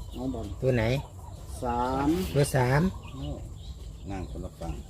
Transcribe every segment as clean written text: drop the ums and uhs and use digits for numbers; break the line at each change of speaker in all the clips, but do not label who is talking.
น้องบอล
ตัวไหน
3
ตัว3
นั่งคนละฝั่ง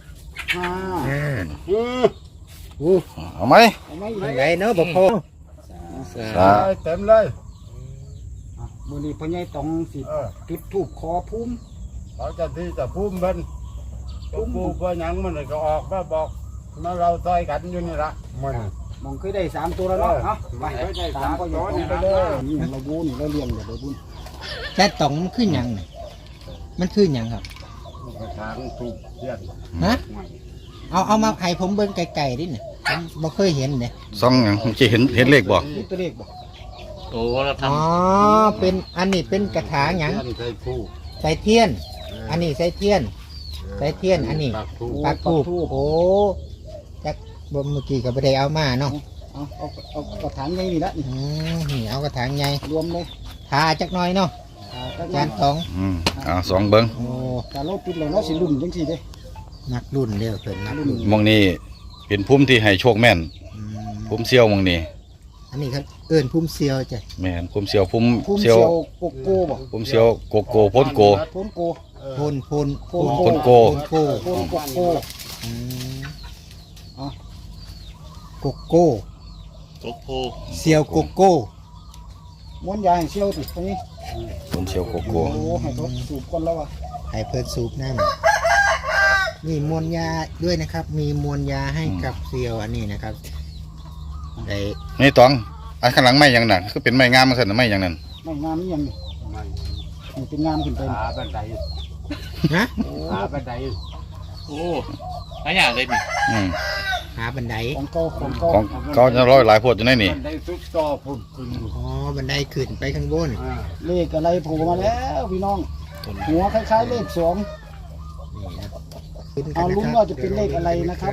5
เอาไหม
เอาไหม
ยังไงเนาะบอกพ่อ
เต็มเลย
มือนี้พ่อใหญ่ต้องสิจุดทูบขอภูมิ
เขาจะที่จะพุ่มเป็นพุ่มเพื่อยังมันก็ออกมาบอกมาเราต่อยกันอยู่นี่ละมัน
มองเคยได้3ตัวแล้วเนาะเอาไปตามพ่อใหญ่ต้องไปเลยนี่เราบูนี่เราเลี้ยงเดี๋ยวไปบุญ
แต่ตองมันขึ้นยังไงมันขึ้นยังครับ
ทางถูกเยี่ยน
ฮะเอามาให้ผมเบิ่งไกลๆดิเนี่ยผมบ่เคยเห็นเนี่ย
ซ่องอย่างจะเห็นเลขบ่
นี่ตัวเลขบ่
โอ้เราท
อ๋อเป็นอันนี้เป็นกระถางหยัง
ใส่ผู้
ใส่เทียน อันนี้ใส่เทียนใส่เทียนอันนี้
ปักผู้
ปักทูบโอ้จักบ่เมื่อกี้ก็บ่ได้เอามาเนาะ
เอากระถางใหญ่นี่ละนี่
นี่เอากระถางใหญ่
รวมเลย
ทาจักหน่อยเนาะ
ก็
จานสอง
สองเบิ้ง
โอ้
การเราปิดแล้วเนาะสิลุ่มจังซี่เด้
นักรุ่นเด้อเพิ่นนักรุ่น
มองนี้เป็นพุ่มที่ให้โชคแม่น
อืม
พุ่มเซียวมองนี้
อันนี้ครับเอิ้นพุ่มเซียวจ้ะ
แม่นพุ่มเซียวพุ่ม
ภูมิ
เซี
เซี
ย
ยว วโกโก้บ่
พุ่มเซียวโกโก้พ้นโก
พ้นโก
พนพน
พนโก
พนโก
โพ้นโกโก้
อืม
อ๋อ
โกโก้
ำโกโพ
เซียวโกโก้
ม้วนยาให้เซียวติตรงนี้
พุ่มเซียวโก
โอ้
โก้
ให้เขาสูบก่อนแล้วอ่ะ
ให้เพิ่นสูบน้ำมีมวลยาด้วยนะครับ มีมวลยาให้กับเซียวอันนี้นะครับได้
นี่ตองอันข้างหลังไม้อย่างนั้นคือเป็นไม้งามมันสั่นไม้อย่างนั้น
ไม่งามนี่ยังนี่นี่เป็นงามขึ้นไป
หาบันได
ฮะ
หาบันได
โอ้หลายอย่างเลยนี่
อืม
หาบันได
ของเก่าของเก่า
ของเขาจะร้อยหลายโพดอยู่ในนี่
บันไดซุกต่อพุ่มขึ้น
อ๋อบันไดขึ้นไปข้างบน
เลขอะไรโผล่มาแล้วพี่น้อง หัวคล้ายๆเลข2
นี่ครับขึ้นกั
เอา
น
ลุ้นว่าจะเป็นเลขอะไรนะครับ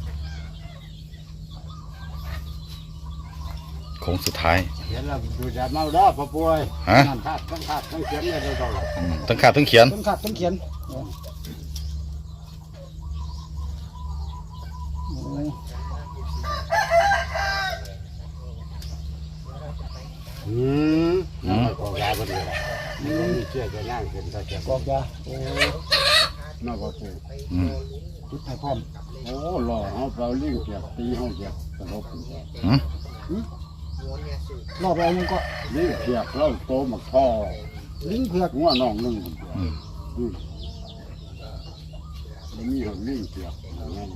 โค้งสุดท้าย
เห็นแล้วดูจะเมาด้อพ่อป่วย
ฮะ
นั่นขาดทั้งเขียนเลยเรา
ทั้งขาดทั้งเขียน
ต้นขัดต้นเขียนโอ้ย
ของยาบันไดมันมีเชื่อจะนั่งขึ้นได้จะ
กอกยาโอ้
น่าพ่อป่วย
อืม
จุดให้พร้อม
โอ้หล่อเขาเปล่าลิงเกียบตีเขาเกียบตลบ
หืม
รอบแล้วยังก็
ลิงเกียบเราโตมาคอ
ลิงเผือก
หัวน้องนึงมันมีของลิงเกียบนั่น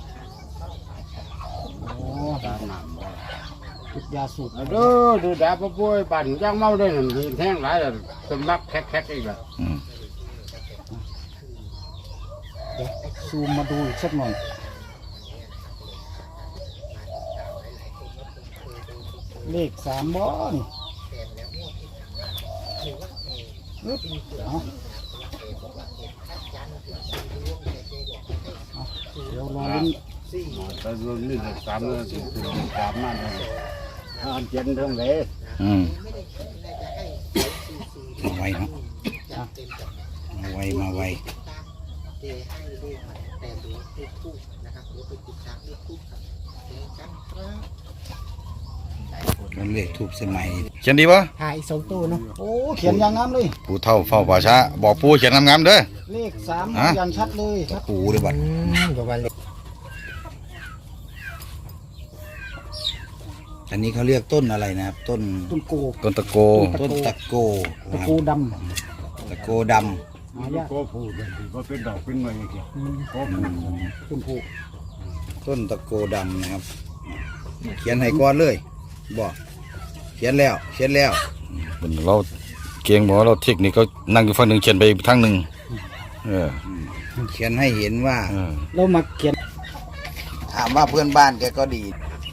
โอ้
ตามน้ำว่า
จุดยาสูบ
ดูดาพ่อป่วยปั่นย่างเมาได้หนึ่งทีแท่งหลายสำลักแคกอีกแล้ว
อืม
เดี๋ยวซูมมาดูอีกสักหน่อยเลข3บ่นี่อึ๊บเอาเดี๋ยวรอลุ้น
แต่รวมนี่สามเลยสามนั่นเลยอันเจนทั้งเลย
อืมมาไวเนาะมาไวมาไวมันเลขทูบสมัยเขียนดีปะ
ถ่ายอีก2ตัวเนาะ
โอ้เขียนอย่างงามเลย
ผู้เฒ่าเฝ้าป่าช้าบอกปู่เขียนงามๆเด้อ
เลข3
ฮะ
อย่างชัดเลยครับ
ปู่เลยบัด
ประมาณนี้
อันนี้เขาเรียกต้นอะไรนะครับ ต้น
ต้นโก
ต้นตะโก ต้นตะโก
ตะโกด
ตะโกด
ำหายาก
ก็พูดว่าเป็นดอกเป็นเมย์เกี่ยวก็พูด
ต้นโพ
ำต้นตะโกดำนะครับ เขียนให้ก้อนเลยบอกเขียนแล้วเราเกียงบอกเราเทคนิคเขานั่งอยู่ฝั่งหนึ่งเขียนไปอีกทางหนึ่งเขียนให้เห็นว่า
เรามาเขียน
ถามว่าเพื่อนบ้านแกก็ดี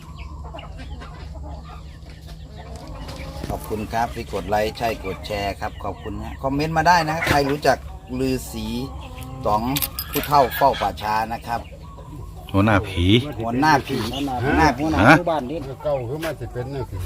ขอบคุณครับที่กดไลค์ใช่กดแชร์ครับขอบคุณนะคอมเมนต์มาได้นะใครรู้จักลือสีต๋องผู้เฒ่าเฝ้าป่าช้านะครับ
หัวหน้าผี
หัวหน้าผี
หัวหน้าหมู่บ้านนี่
เก่าคือมันจะเป็นนั่นคือ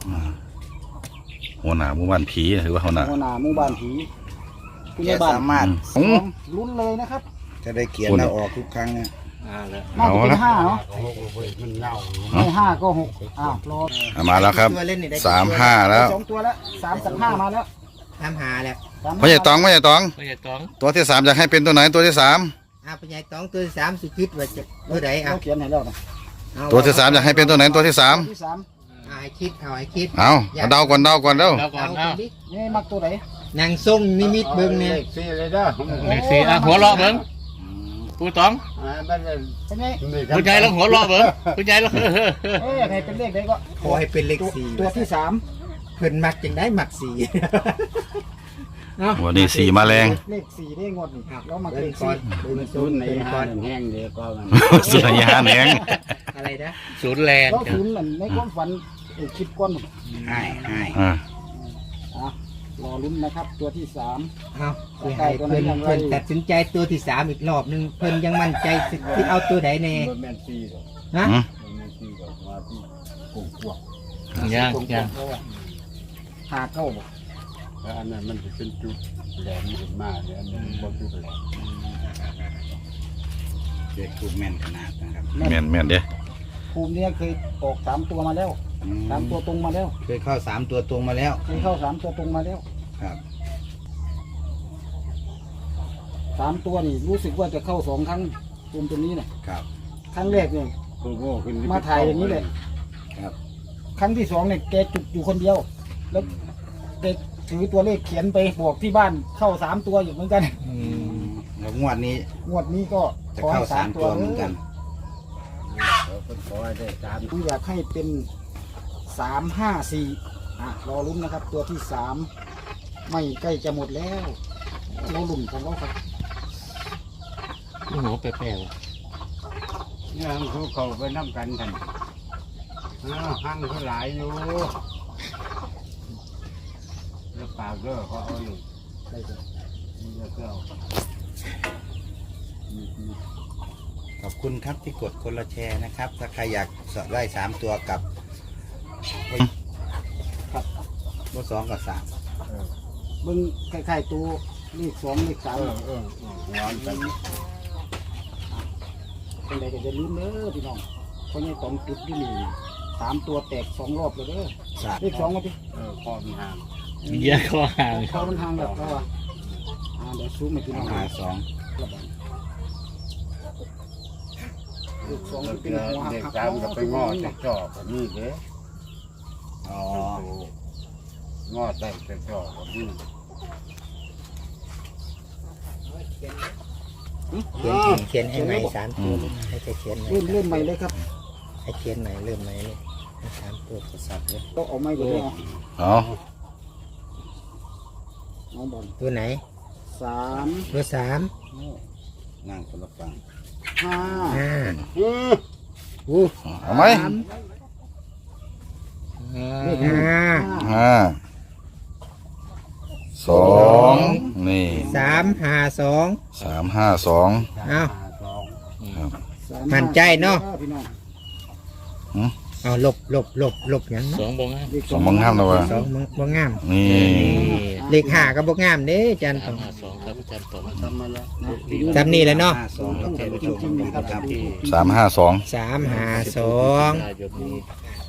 หัวหน้าหมู่บ้านผีหรือว่าหัวหน้า
หัวหน้าหมู่บ้านผีผู้
แก
ใหญ่บ้าน
สามารถ
ลุ้นเลยนะครับ
จะได้เขียนแล้วออกทุกครั้งนะ
น่าจะเป็น5เนาะ
มันเงา
ไม่5ก็6อ้าวรอ
มาแล้วครับ
ตัวเล่นนี่ได้
35แล้ว
2 ตัวแล้ว3 กับ 5มาแล้ว
ตามหาแล้ว
พ่อใหญ่ตอง
ไม่ใช่ต้อง
ตัวที่สามอยากให้เป็นตัวไหนตัวที่สาม
พ่อใหญ่ตองตัวที่สามสุคิดว่าจะตัวไหนเอา
เราเขียนให้แล้วนะ
ตัวที่สามอยากให้เป็นตัวไหนตัวที่สาม
ที่สาม
ให้คิดให้คิด
เอาเดาก่อนเดาก่อนเด้อ
เราก่อนเอา
นี่มักตัวไหน
นางทรงนิมิตเบิ่งเนี่ย
เลขสี่เลยเด้อ
เลขสี่อ่ะหัวเราะเบิ้งผู้ต้อง
มันเป็น
เป็นไง
ผู้ชายลองหัวเราะเบิ้งผู้ชายลอง
ให้เป็นเลขไหนก็
ขอให้เป็นเลข
ตัว
4
ที่สาม
เพิ่นมักจังได้มัก4
วันนี้สี่มาแรง
เลขสี่ได้งวดนี่แล้วมา
เบิ่
เล
ง
ข
ก่อ
สี่
นเบิ่ง
มัน
ศู
ศู
น
น
ย์
ย์ใน
เบิ่งก่
ห้า
อน
แห้งเดียวก็มัน
สุดยาแหนง
อะไรนะ
ศูนย์แรง
แล้วศูนย์เหมือนในความฝันคลิปก้อน
ให้
อ่าร
อลุ้นนะครับ ตัวที่สาม
เอาสิให้เพิ่นตัดสินใจตัวที่3อีกรอบนึงเพิ่นยังมั่นใจที่เอาตัวใดแน่
มันแม่นสี่หรอก
ฮะ
มันแม่นสี่หรอกมาที่กลุ่มพวก
ยังยัง
หาเข้าบอก
แล้วอันนั้นมันจะเป็นจุดแหลมขึ้นมาเนี่ยอันนี้บ่จุดแหลมเด็กถูกแม่นขนาดนะครับ
แม่นแม่นเด้
ภูมิเนี่ยเคยออก3 ตัวมาแล้ว3 ตัวตรงมาแล้ว
เคยเข้า3ตัวตรงมาแล้ว
เคยเข้า3 ตัวตรงมาแล้ว
ครับ
3 ตัวนี่รู้สึกว่าจะเข้า2 ครั้งภูมิตัวนี้เนี่ย
ครับ
ครั้งแรกเนี่ย
โอ้โหขึ้น
มาถ่ายอย่างนี้เลย
ครับ
ครั้งที่2เนี่ยแกจุดอยู่คนเดียว แล้วแกถือตัวเลขเขียนไปบอกที่บ้านเข้า3 ตัวอยู่เหมือนกัน
แล้วงวดนี้
งวดนี้ก็
จะ
ขอให้
เข้า3ตัวเหมือนกัน
เขาก็ขอให้ได้สาม
ผมอยากให้เป็น354รอลุ้นนะครับ ตัวที่3ไม่ใกล้จะหมดแล้วเราลุ้นของเราครับ
หัวแปลก
เนี่ยเขาไปน้ำกันกันห้างเขาหลายอยู่แล้วปากเด้อเขาเอาอยู่
ได้จ้ะ
มีเจ้า
ขอบคุณครับที่กดคนละแชร์นะครับ ถ้าใครอยากสอบได้3ตัวกับ
ครับ
เบอร์2กับ3
เบิ่งคล้ายๆตัวเลข2เลข3
ร้อนกัน
เป็นไรก็จะลืมเด้อพี่น้องเพราะนี่ต้องจุดที่นี่3 ตัวแตก2 รอบเลยเด้อเลข2มาดิ
คอมีหาง
ๆเยอะก็ห่าง
เขามันทางแบบเขาว่าเดี๋ยวซูมให้พี่น้อง
หา
เลข
2
2
แล้ว
เป็นหัวหั
เด็ก
ก
สามก็ไปงอจะจ่อแบบนี้เด้
อ๋อ
งอได้จะจ่อแบบนี้
เขียนให้ใหม่3ตัวให้จะเขียนใหม่
เริ่มใหม่เลยครับ
ให้เขียนใหม่เริ่มใหม่เลยให้3ตัวกษัตริย์เลย
ก็เอาไม้ไปเลย
เอา
น้องบอล
ตัวไหน
3
เบอร์3
นั่งคนละฝั่ง
5
5
เอาไหม
เลข
5
ห้าสองนี่
3 5 2
352
เอา
5
มั่นใจเนาะ
พี่น้อง
เอาลบหยัง
สองบงอ่ะ
เลข
สองบังห้ามนะวะ
2บ่งาม
นี่
เลข5ก็บ่งามเด้จันต้อง
52ครับอาจารย์ตอง
ทำมาแล้ว
จำนี่แหละเนาะ
จริงๆนะครับ
352
352
ยนนี้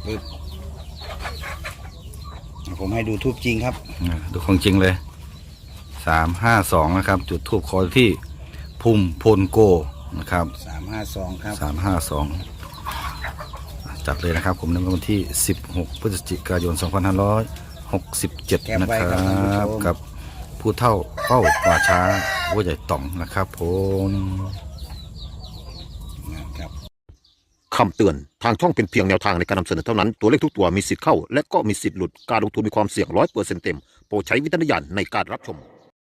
ผมให้ดูทูบจริงครับ
ดูของจริงเลย 352 นะครับ จุดทูบคอที่พุ่มพลโกนะครับ
352 ครับ
352 จัดเลยนะครับผมในวันที่ 16 พฤศจิกายน 2567 นะครับกับผู้เท่าเฝ้าป่าช้าวัวใหญ่ต่องนะครับผม
คำเตือน ทางช่องเป็นเพียงแนวทางในการนำเสนอเท่านั้น ตัวเลขทุกตัวมีสิทธิ์เข้า และก็มีสิทธิ์หลุด การลงทุนมีความเสี่ยง100%เต็ม โปรดใช้วิจารณญาณในการรับชม